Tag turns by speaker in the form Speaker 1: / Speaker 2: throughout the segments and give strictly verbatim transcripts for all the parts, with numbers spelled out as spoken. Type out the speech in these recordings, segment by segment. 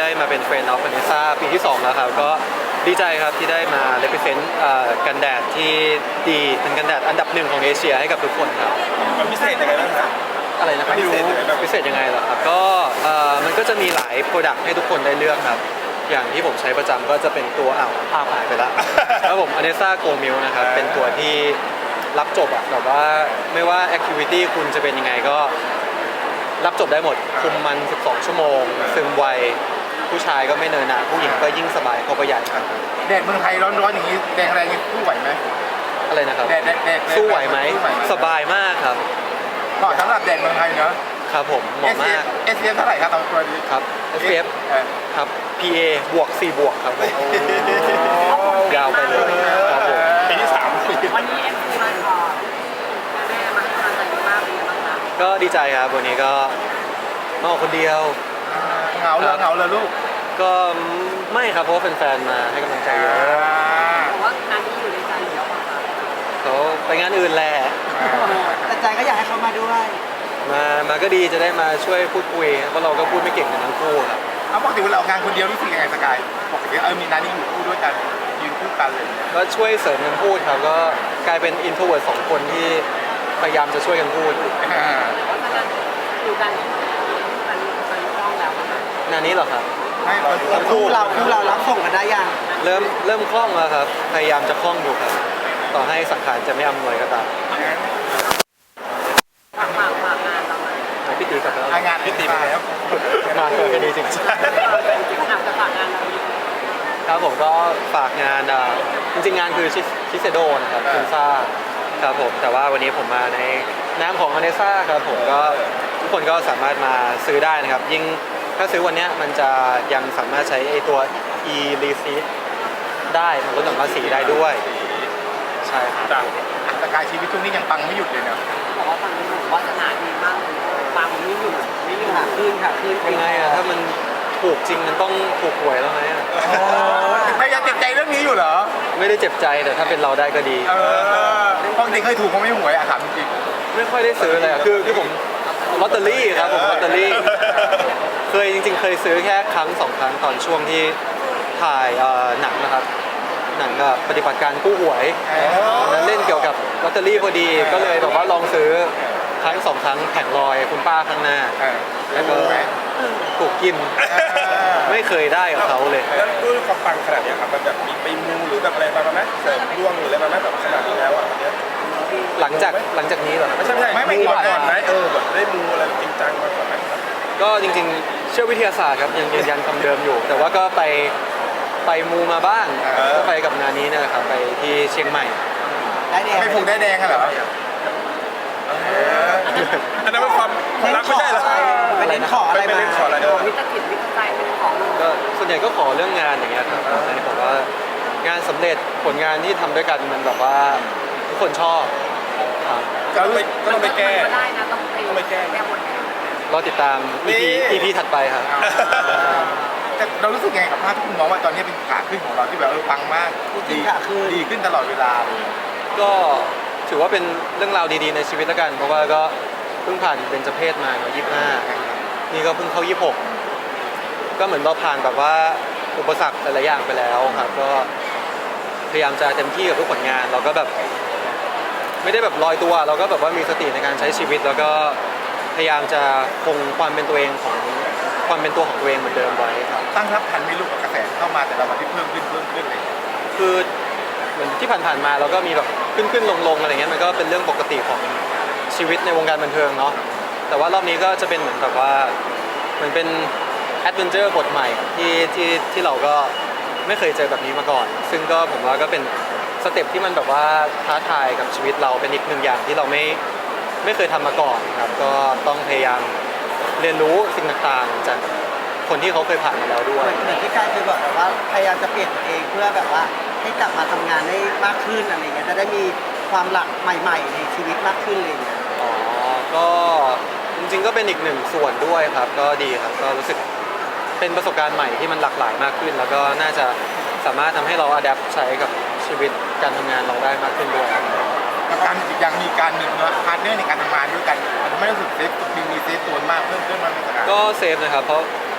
Speaker 1: มาเป็น Friend of Vanessa ปีที่สองแล้วครับก็ดีใจครับที่ได้มา represent กันแดดที่ดีเป็นกันแดดอันดับหนึ่งของเอเชียให้กับทุกคนครับ
Speaker 2: มันพิเศษยังไงบ้างครับ
Speaker 1: อะไรนะครับ
Speaker 2: พิเศษยังไงบ้าง
Speaker 1: พิเศษยังไงเหรอครับก็มันก็จะมีหลาย Product ให้ทุกคนได้เลือกครับอย่างที่ผมใช้ประจำก็จะเป็นตัวอ้าวภาพหายไปแล้วแล้วผม Vanessa Go Milk นะครับเป็นตัวที่รับจบอะแบบว่าไม่ว่า activity คุณจะเป็นยังไงก็รับจบได้หมดคุมมันสิบสองชั่วโมงซึมไวผู้ชายก็ไม่เนินหนาผู้หญิงก็ยิ่งสบายเข้าไปใหญ่ครับ
Speaker 3: แดดเมืองไทยร้อนๆอย่างนี้แดดอะไรยังสู้ไหวไหม
Speaker 1: อะไรนะครับ
Speaker 3: แดดแดดแดด
Speaker 1: สู้ไหวไหมสบายมากครับ
Speaker 3: เหมาะสำหรับแดดเมืองไทยเนอะ
Speaker 1: ครับผมเหมาะมาก
Speaker 3: เอส พี เอฟ เท่าไหร่ครับตัวนี้
Speaker 1: ครับ เอส พี เอฟ ครับ พี เอ บวกสี่บวกครับยาวไปเลยครับผม
Speaker 2: ปีที่สาม
Speaker 4: วันนี้เอ็มซีมาขอแม่มาให้กำลังใจมากเป็นยังไงบ้างคะ
Speaker 1: ก็ดีใจครับวันนี้ก็มาออกคนเดียว
Speaker 3: เหงาเลยเหงาเลยลูก
Speaker 1: ก็ไม่ครับเพราะว่าแฟนๆมาให้กำลังใจเยอะ
Speaker 4: แต่ว่างานนี้อยู่ในใจอยู่แล้วป่ะคะ
Speaker 1: เขาไปงานอื่นแหละ
Speaker 4: แต่ใจก็อยากให้เขามาด้วย
Speaker 1: มามาก็ดีจะได้มาช่วยพูดคุยเพราะเราก็พูดไม่เก่งกันทั้งคู่ครับ
Speaker 3: เอาปกติเวลาออกงานคนเดียวรู้สึกยังไงสกายปกติเออมีนานี่อยู่คู่ด้วยกันยืนคู่กันเลย
Speaker 1: ก็ช่วยเสริมกันพูดครับก็กลายเป็นอินโทรเวิร์ตสองคนที่พยายามจะช่วยกันพูด
Speaker 4: ว่าถ้าการอยู่กันมันมันคล่องแล้ว
Speaker 1: งานนี้เหรอครับ
Speaker 3: ไม่
Speaker 4: คู่เราคู่เรารับส่งกันได้ยัง
Speaker 1: เริ่มเริ่มคล่องแล้วครับพยายามจะคล่องอยู่ครับต่อให้สังขารจะไม่อำนวยก็ตาม
Speaker 4: ฝากฝากฝากงานเรา
Speaker 1: พี่ตีกับ
Speaker 3: เรางาน
Speaker 1: พี่ตีมาแล้วมาเกิดกันดีจริงๆ
Speaker 4: ถามจะฝากงานเรา
Speaker 1: ครับผมก็ฝากงานจริงๆงานคือชิเซโดนะครับคุณซ่าครับผมแต่ว่าวันนี้ผมมาในนามของอเนซ่าครับผมก็ทุกคนก็สามารถมาซื้อได้นะครับยิ่งถ้าซื้อวันนี้มันจะยังสามารถใช้ไอตัว e receipt ได้มันลดหย่อนภาษีได้ด้วยใช่ครับ
Speaker 3: สกายชีวิตช่วงนี้ยังปังไม่หยุดเลยเนาะ
Speaker 4: บอกว่าฟังดูวาสนาดีมากเลยปังไม่หยุดไม่หยุดค่ะขึ้นค่ะขึ้น
Speaker 1: ยังไงอะถ้ามันถูกจริงมันต้องถูกหวยแล้วไหมอะ
Speaker 3: พยายามเจ็บใจเรื่องนี้อยู่เหรอ
Speaker 1: ไม่ได้เจ็บใจแต่ถ้าเป็นเราได้ก็ดี
Speaker 3: เออปกติเคยถูกเขาไม่หวยอะถามจริง
Speaker 1: ไม่ค่อยได้ซื้อเลยคือคือผมลอตเตอรี่ครับผมลอตเตอรี่เคยจริงๆเคยซื้อแค่ครั้งสองครั้งตอนช่วงที่ถ่ายหนังนะครับหนังกับปฏิบัติการกู้หวยนั้นเล่นเกี่ยวกับลอตเตอรี่พอดีก็เลยแบบว่าลองซื้อครั้งสองครั้งแผงลอยคุณป้าข้างหน้าแล้วก็ถูกกินไม่เคยได้กับเขาเลย
Speaker 2: แล้วด้วยความปังขนาดนี้ครับมันแบบมีไปมูหรือแบบอะไรมาไหมเสริมดวงหรืออะไรมาไหมแบบขนาดนี้แล้วอ่ะ
Speaker 1: หลังจากหลังจากนี้เหรอ
Speaker 2: ไม่ใช่ไม่ใช่ไม่ก่อนก่อนไหมเออแบบได้มูอะไรจริงจังมาก่อนไหม
Speaker 1: ก็จริงๆเชื่อวิทยาศาสตร์ครับยังยืนยันคำเดิมอยู่แต่ว่าก็ไปไปมูมาบ้างก็ไปกับงานนี้นะครับไปที่เชียงใหม่
Speaker 3: ได้แดงไม่ผูกได้แดงเหรอ
Speaker 2: อันนั้นเป็นความความรักไม่ใช่เหรอ
Speaker 4: ไปเล่นขออะไรมาวิตากิจวิตาใจเป็นของ
Speaker 1: ก็ส่วนใหญ่ก็ขอเรื่องงานอย่างเงี้ยครับแต่นี่ผมว่างานสำเร็จผลงานที่ทำด้วยกันมันแบบว่าทุกคนชอบ
Speaker 2: ก็ต้องไปก็ต้องไปแก้
Speaker 4: ได้นะต้องไปแก้แก้หมด
Speaker 1: รอติดตาม อี พี อี พี ถัดไปครับ
Speaker 3: แต่เรารู้สึกไงกับภาพที่คุณมองว่าตอนนี้เป็นขาขึ้นของเราที่แบบเออปังมาก
Speaker 4: ดีขาขึ้น
Speaker 3: ดีขึ้นตลอดเวลาเลย
Speaker 1: ก็ถือว่าเป็นเรื่องราวดีๆในชีวิตแล้วกันเพราะว่าก็เพิ่งผ่านเบญจเพศมาเนาะยี่สิบห้านี่ก็เพิ่งเข้ายี่สิบหกก็เหมือนเราผ่านแบบว่าอุปสรรคหลายๆอย่างไปแล้วครับก็พยายามจะเต็มที่กับทุกผลงานเราก็แบบไม่ได้แบบลอยตัวเราก็แบบว่ามีสติในการใช้ชีวิตแล้วก็พยายามจะคงความเป็นตัวเองของความเป็นตัวของตัวเองเหมือนเดิมไว้ครับ
Speaker 3: ตั้งรับทันไม่รู้กับกระแสเข้ามาแต่ละวันที่เพิ่มขึ้นเพิ่มขึ้นเลย
Speaker 1: คือเหมือนที่ผ่านๆมาเราก็มีแบบขึ้นขึ้นลงลงอะไรเงี้ยมันก็เป็นเรื่องปกติของชีวิตในวงการบันเทิงเนาะแต่ว่ารอบนี้ก็จะเป็นเหมือนแบบว่าเหมือนเป็นแอดเวนเจอร์บทใหม่ที่ที่ที่เราก็ไม่เคยเจอแบบนี้มาก่อนซึ่งก็ผมว่าก็เป็นสเต็ปที่มันแบบว่าท้าทายกับชีวิตเราเป็นอีกหนึ่งอย่างที่เราไม่ไม่เคยทำมาก่อนครับก็ต้องพยายามเรียนรู้สิ่งต่างๆจากคนที่เขาเคยผ่านมาแล้วด้วย
Speaker 4: เหมือนที่กายเคยบอกแบบว่าพยายามจะเปลี่ยนตัวเองเพื่อแบบว่าให้กลับมาทำงานได้มากขึ้นอะไรเงี้ยจะได้มีความหลักใหม่ๆในชีวิตมากขึ้นเลยเนี่ย
Speaker 1: อ๋อก็จริงๆก็เป็นอีกหนึ่งส่วนด้วยครับก็ดีครับก็รู้สึกเป็นประสบการณ์ใหม่ที่มันหลากหลายมากขึ้นแล้วก็น่าจะสามารถทำให้เราอัดแอปใช้กับชีวิตการทำงานเราได้มากขึ้นด้วย
Speaker 3: การยังมีการมีพาร์ทเนอร์ในการทำงานด้วยกันมันไม่รู้สึกเซฟมีมีเซฟตัวมากเพิ่มขึ้นมาเป็นสกาย
Speaker 1: ก็เซฟนะครับเพราะ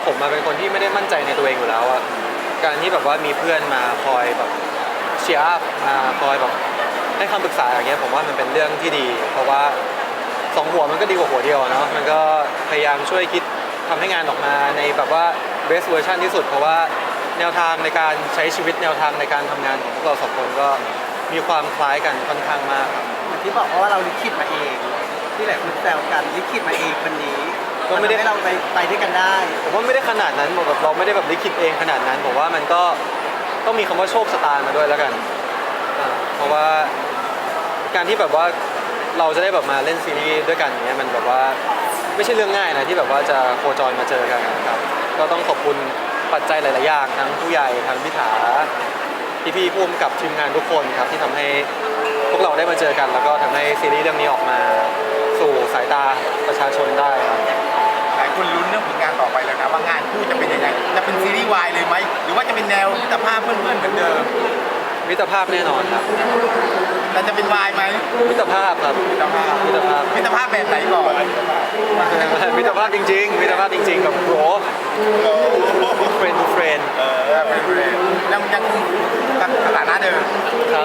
Speaker 1: ผมมาเป็นคนที่ไม่ได้มั่นใจในตัวเองอยู่แล้วอะการที่แบบว่ามีเพื่อนมาคอยแบบเชียร์อัพมาคอยแบบให้คำปรึกษาอย่างเงี้ยผมว่ามันเป็นเรื่องที่ดี เพราะว่าสองหัวมันก็ดีกว่าหัวเดียวเนาะมันก็พยายามช่วยคิดทำให้งานออกมาในแบบว่า best version ที่สุด เพราะว่าแนวทางในการใช้ชีวิตแนวทางในการทำงานของพวกเราสองคนก็มีความคล้ายกันค่อนข้างมากครับ
Speaker 4: เหมือนที่บอกว่าเราลิขิตมาเอง ที่หลายคนแซวกันลิขิตมาเองวันนี้
Speaker 1: ก็ไม่ได้
Speaker 4: นทำให้เราไปไปด้วยกันได้
Speaker 1: ผมว่าไม่ได้ขนาดนั้นแบบเราไม่ได้แบบลิขิตเองขนาดนั้นผมว่ามันก็ต้องมีคำว่าโชคชะตามาด้วยแล้วกันอ่าเพราะว่าการที่แบบว่าเราจะได้แบบมาเล่นซีรีส์ด้วยกันอย่างเนี้ยมันแบบว่าไม่ใช่เรื่องง่ายนะที่แบบว่าจะโคจรมาเจอกันครับก็ต้องขอบคุณปัจจัยหลายๆอย่างทั้งผู้ใหญ่ทั้งพิธาพี่ๆผู้กำกับทีมงานทุกคนครับที่ทำให้พวกเราได้มาเจอกัน แล้วก็ทำให้ซีรีส์เรื่องนี้ออกมาสู่สายตาประชาชนได้ครับ
Speaker 3: หลายคนลุ้นเรื่องผลงานต่อไปแล้วนะว่างานคู่จะเป็นยังไงจะเป็นซีรีส์วายเลยไหมหรือว่าจะเป็นแนวมิตรภาพเพื่อนๆเหมือนเดิม
Speaker 1: มิตรภาพแน่นอนครับ
Speaker 3: แต่จะเป็นวายไหม
Speaker 1: มิตรภาพครับ
Speaker 3: มิตรภาพ
Speaker 1: มิตรภาพ
Speaker 3: มิตรภาพแบบไหนก่อน
Speaker 1: มิตรภาพจริงๆมิตรภาพจริงๆกับโบรเฟรนดูเฟรน
Speaker 3: เออเป็นเรื่องยังยังสถานะเดิม
Speaker 1: ครับ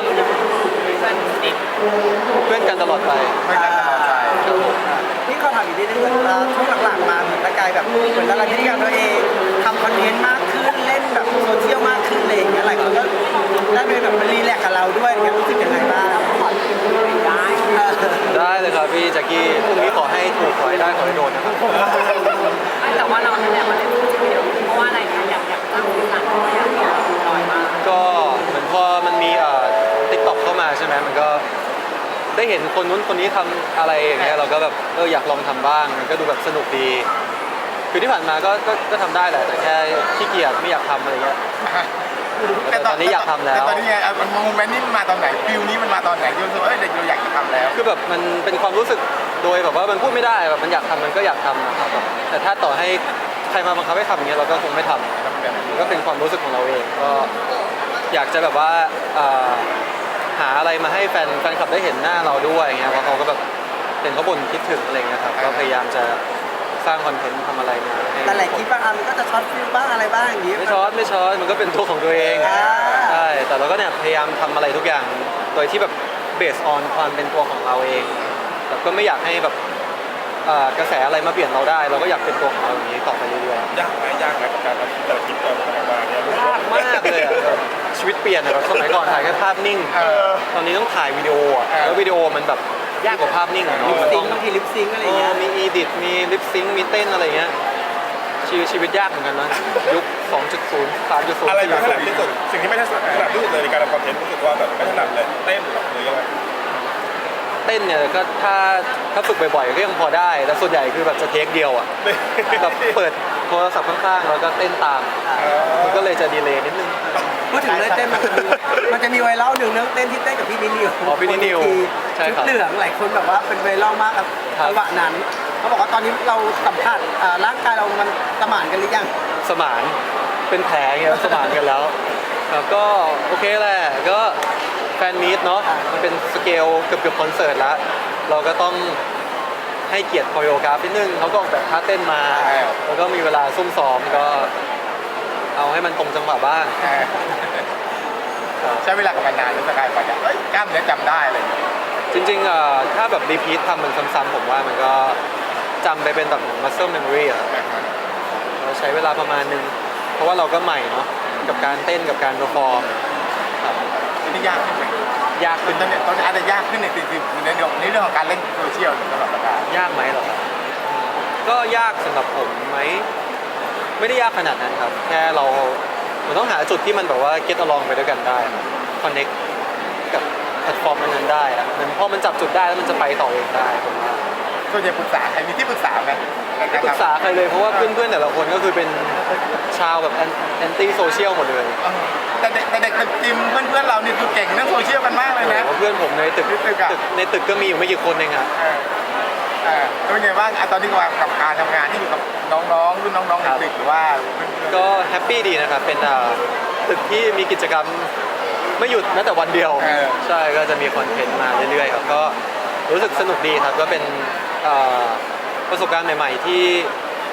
Speaker 1: เพื่อนกันตลอดไป
Speaker 3: ไม่กันตลอดไป
Speaker 4: นี่เขาถามอีกนิดนึงเหมือนว่าช่วงหลังๆมาเหมือนตะกายแบบเหมือนละลายพฤติกรรมตัวเองทำคอนเทนต์มากขึ้นเล่นแบบโซเชียลมากขึ้นอะไรอย่างเงี้ยหลายคนก็ได้ไปแบบมารีแลกซ์กับเราด้วยอย่างเงี้ยรู้สึกยังไงบ้างขอได้
Speaker 1: ได้เลยครับพี่แจ็คกี้พรุ่งนี้ขอให้ถูกขอให้ได้ขอให้โดนนะครับ
Speaker 5: ไม่แต่ว่าเราเนี่ยมาเล่นจริงๆเดียวเพราะว่าอะไรนะอยากอยากตั้งพื้นฐานของอยากอยากลอยมา
Speaker 1: ก็เหมือนพอมันมีเอ่อติ๊กต็อกเข้ามาใช่ไหมมันก็ได้เห็นคนนู้นคนนี้ทำอะไรอย่างเงี้ยเราก็แบบเอออยากลองทำบ้างมันก็ดูแบบสนุกดี คือที่ผ่านมาก็ก็ก็ทำได้แหละแต่แค่ขี้เกียจไม่อยากทำอะไรเงี้ย แต่ตอนนี้อยากทำแล้ว
Speaker 3: แต่ตอนนี้ไงเอามันโมเมนต์นี้มันมาตอนไหนฟิลนี้มันมาตอนไหนที่รู้สึกว่าเอ้ยเด็กเราอยากจะทำแล้ว
Speaker 1: คือแบบมันเป็นความรู้สึกโดยแบบว่ามันพูดไม่ได้แบบมันอยากทำมันก็อยากทำนะครับแบบแต่ถ้าต่อให้ใครมาบังคับให้ทำอย่างเงี้ยเราก็คงไม่ทำมันก็เป็นความรู้สึกของเราเองก็อยากจะแบบว่าเอ่อหาอะไรมาให้แฟนแฟนคลับได้เห็นหน้าเราด้วยอย่างเงี้ยเพราะเขาก็แบบเห็นเขาบ่นคิดถึงอะไรเงี้ยครับก็พยายามจะสร้างคอนเทนต์ทำอะไรมาให้
Speaker 4: แต่หลายคลิปบางอันมันก็จะช็อตฟิลบ้างอะไรบ้างอย่างงี้
Speaker 1: ไม่ช็อตไม่ช็อตมันก็เป็นตัวของตัวเอง
Speaker 4: อ่า
Speaker 1: ใช่แต่เราก็เนี่ยพยายามทำอะไรทุกอย่างโดยที่แบบเบสออนความเป็นตัวของเราเองแต่ก็ไม่อยากให้แบบเอ่อกระแสอะไรมาเปลี่ยนเราได้ เราก็อยากเป็นตัวของเราอย่างนี้ต่อไปเรื่อยๆ
Speaker 2: ยากไหมยากไหมกับการทำแต่ละคลิปแต่ละมาเนี่ย
Speaker 1: ยากมากเลยอะแบบชีวิตเปลี่ยนอะแบบสมัยก่อนถ่ายแค่ภาพนิ่ง
Speaker 3: เออ
Speaker 1: ตอนนี้ต้องถ่ายวิดีโออะ
Speaker 3: เออ
Speaker 1: แล้ววิดีโอมันแบบยากกว่าภาพนิ่งอะเนาะ
Speaker 4: ลิป
Speaker 1: มัน
Speaker 4: ซิ
Speaker 1: ต้อง ง
Speaker 4: ค์บางทีลิปซิงค์อะไร
Speaker 1: เอ
Speaker 4: เงี้
Speaker 1: อย มีอีดิทมีลิปซิงค์มีเต้นอะไรเงี้ยชีวิตชีวิตยากเหมือนกันนะยุค สองจุดศูนย์ สามจุดศูนย์
Speaker 2: อะไรไม่ถนัดที่สุดสิ่งที่ไม่ถนัดถนัดที่สุดเลยในการทำคอนเทนต์รู้สึกว่าแบบไม่ถนัดเลยเต้นหรือยังไง
Speaker 1: เต้นเนี่ยก็ถ้าถ้าฝึกบ่อยๆก็ยังพอได้แต่ส่วนใหญ่คือแบบจะเทคเดียวอ่ะแบบเปิดโทรศัพท์ข้างๆแล้วก็เต้นตามมันก็เลยจะดีเลย์นิดนึง
Speaker 4: พูดถึงเรื่องเต้นมันจะมีมันจะมีไวรัลหนึ่งเรื่องเต้นที่เต้นกับพี่นิว
Speaker 1: อ๋อพี่นิวใช่
Speaker 4: ชุด
Speaker 1: ครับ
Speaker 4: เหลืองหลายคนแบบว่าเป็นไวรัลมากครับ
Speaker 1: ครับ
Speaker 4: จังหวะนั้นเขาบอกว่าตอนนี้เราสัมผัสอ่าร่างกายเรามันสมานกันหรือยัง
Speaker 1: สมานเป็นแผลเงี้ยสมานกันแล้วครับก็โอเคแหละก็แฟนมีตเนาะมันเป็นสเกลเกือบเกือบคอนเสิร์ตแล้วเราก็ต้องให้เกียรติคอริโอกราฟนิดนึงเขาก็ออกแบบท่าเต้นมา แล้วก็มีเวลาซุ่มซ้อมก็เอาให้มันตรงจังหวะบ้าง
Speaker 3: เออใช้เวลากับมันนานหรือสกายกว่าจะเอ้ยกล้ามเนื้อจำได้อะไรอย่างเลย
Speaker 1: จริงๆอ่ะถ้าแบบรีพีททำมันซ้ำๆผมว่ามันก็จำไปเป็นแบบ muscle memory อะเราใช้เวลาประมาณนึง เพราะว่าเราก็ใหม่เนาะกับการเต้นกับการ perform ครับ
Speaker 3: อันนี้ยากขึ้นไหม
Speaker 1: ยากขึ้น
Speaker 3: ตอนนี้ตอนนี้อาจจะยากขึ้นในสิ่งที่ในเรื่องในเรื่องของการเล่นโซเชียลสำหรับสกาย
Speaker 1: ยากไหมเหรอก็ยากสำหรับผมไหมไม่ได้ยากขนาดนั้นครับ แค่เราเราต้องหาจุดที่มันแบบว่า get along ไปด้วยกันได้ connect กับแพลตฟอร์มนั้นๆได้อะมันพอมันจับจุดได้แล้วมันจะไปต่อเองได้ผมว่า
Speaker 3: ส่วนใหญ่ปรึกษาใครมีที่ปรึกษาไหม
Speaker 1: ไม่ปรึกษาใครเลยเพราะว่าเพื่อนๆแต่ละคนก็คือเป็นชาวแบบแอนตี้โซเชียลหมดเลย
Speaker 3: เออแต่เด็กแต่เด็กตึกจิมเพื่อนๆเรานี่คือเก่งเรื่องโซเชียลกันมากเลยนะ
Speaker 1: เพื่อนผมในตึก
Speaker 3: ในตึกอะ
Speaker 1: ตึกในตึกก็มีอยู่ไม่กี่คนเองครับ
Speaker 3: เออเออแล้วเป็นไงบ้างอ่ะตอนนี้กับการทำงานที่อยู่กับน้องๆรุ่นน้องๆในตึกหรือว่าเพื่อนๆ
Speaker 1: ก็แฮปปี้ดีนะครับเป็นอ่าตึกที่มีกิจกรรมไม่หยุดแม้แต่วันเดียว
Speaker 3: เออ
Speaker 1: ใช่ก็จะมีคอนเทนต์มาเรื่อยๆครับก็รู้สึกสนุกดีครับก็เป็นอ่าประสบการณ์ใหม่ๆที่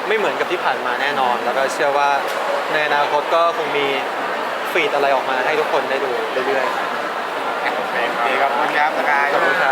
Speaker 1: ไม่เหมือนกับที่ผ่านมาแน่นอน แล้วก็เชื่อว่าในอนาคตก็คงมีฟีดอะไรออกมาให้ทุกคนได้ดูเรื่อยๆ
Speaker 3: โอเคครับขอบคุณครับสกาย
Speaker 1: ขอบคุณครับ